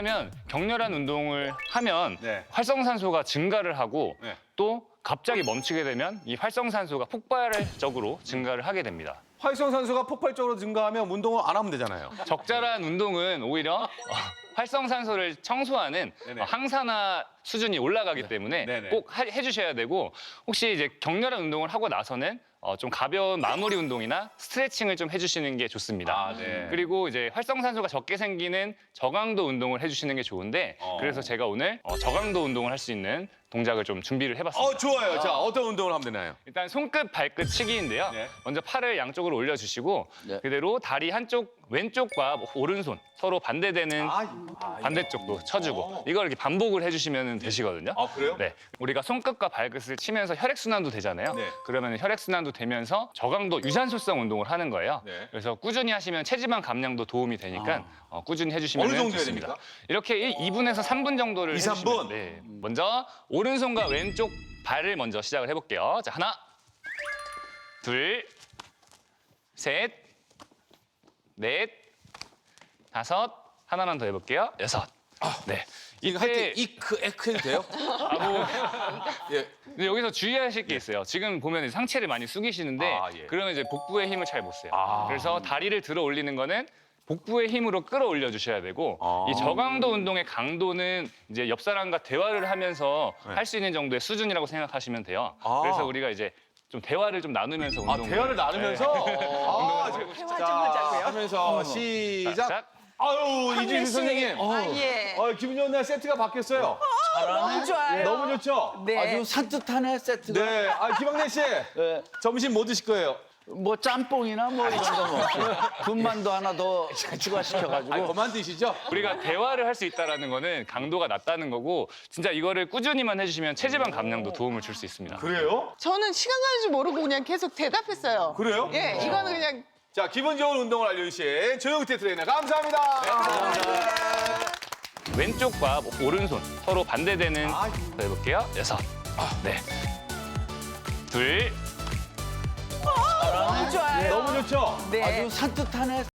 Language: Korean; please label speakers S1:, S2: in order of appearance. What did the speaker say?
S1: 하면 격렬한 운동을 하면
S2: 네.
S1: 활성산소가 증가를 하고
S2: 네.
S1: 또 갑자기 멈추게 되면 이 활성산소가 폭발적으로 증가를 하게 됩니다.
S2: 활성산소가 폭발적으로 증가하면 운동을 안 하면 되잖아요.
S1: 적절한 운동은 오히려 활성산소를 청소하는
S2: 네네.
S1: 항산화 수준이 올라가기 때문에
S2: 네네.
S1: 꼭 해주셔야 되고 혹시 이제 격렬한 운동을 하고 나서는 좀 가벼운 마무리 운동이나 스트레칭을 좀 해주시는 게 좋습니다.
S2: 아, 네.
S1: 그리고 이제 활성산소가 적게 생기는 저강도 운동을 해주시는 게 좋은데 그래서 제가 오늘 저강도 운동을 할 수 있는 동작을 좀 준비를 해봤습니다.
S2: 좋아요. 자, 어떤 운동을 하면 되나요?
S1: 일단 손끝, 발끝 치기인데요.
S2: 네.
S1: 먼저 팔을 양쪽으로 올려주시고
S3: 네.
S1: 그대로 다리 한쪽 왼쪽과 오른손 서로 반대되는 반대쪽도 쳐주고 이걸 이렇게 반복을 해주시면 되시거든요.
S2: 아, 그래요?
S1: 네, 우리가 손끝과 발끝을 치면서 혈액순환도 되잖아요.
S2: 네.
S1: 그러면 혈액순환도 되면서 저강도 유산소성 운동을 하는 거예요.
S2: 네.
S1: 그래서 꾸준히 하시면 체지방 감량도 도움이 되니까 꾸준히 해주시면
S2: 어느 정도 해야
S1: 좋습니다.
S2: 됩니까?
S1: 이렇게 2분에서 3분 정도를
S2: 2, 3분?
S1: 해주시면 네. 먼저 오른손과 왼쪽 발을 먼저 시작을 해볼게요. 자, 하나, 둘, 셋, 넷, 다섯, 하나만 더 해볼게요. 여섯. 네.
S2: 이거 할 때 이크, 에크 해도 돼요? 예.
S1: 근데 여기서 주의하실 게 있어요. 지금 보면 상체를 많이 숙이시는데
S2: 아, 예.
S1: 그러면 이제 복부의 힘을 잘 못 써요. 그래서 다리를 들어 올리는 거는 복부의 힘으로 끌어올려 주셔야 되고 이 저강도 운동의 강도는 이제 옆 사람과 대화를 하면서 할 수 있는 정도의 수준이라고 생각하시면 돼요. 그래서 우리가 이제 좀 대화를 좀 나누면서 운동을
S2: 대화를 나누면서?
S4: 대화 좀 하자고요.
S2: 하면서 시작.
S1: 시작.
S2: 아유, 이준희 선생님.
S4: 예.
S2: 기분 좋은 날 세트가 바뀌었어요.
S4: 너무 좋아요.
S2: 너무 좋죠?
S4: 네.
S3: 아주 산뜻하네 세트가.
S2: 네. 김학래 씨.
S3: 네.
S2: 점심 뭐 드실 거예요?
S3: 뭐 짬뽕이나 뭐 이런 거 뭐. 군만두 하나 더 추가시켜가지고.
S2: 그만 드시죠?
S1: 우리가 대화를 할 수 있다는 거는 강도가 낮다는 거고 진짜 이거를 꾸준히만 해주시면 체지방 감량도 도움을 줄 수 있습니다.
S2: 그래요?
S4: 저는 시간 가는 줄 모르고 그냥 계속 대답했어요.
S2: 그래요?
S4: 예, 이거는 그냥
S2: 자, 기분 좋은 운동을 알려주신 조영태 트레이너 감사합니다.
S1: 왼쪽과 오른손 서로 반대되는 더 해볼게요. 여섯. 네. 둘.
S4: 너무 좋아요.
S2: 너무 좋죠?
S4: 네.
S3: 아주 산뜻하네.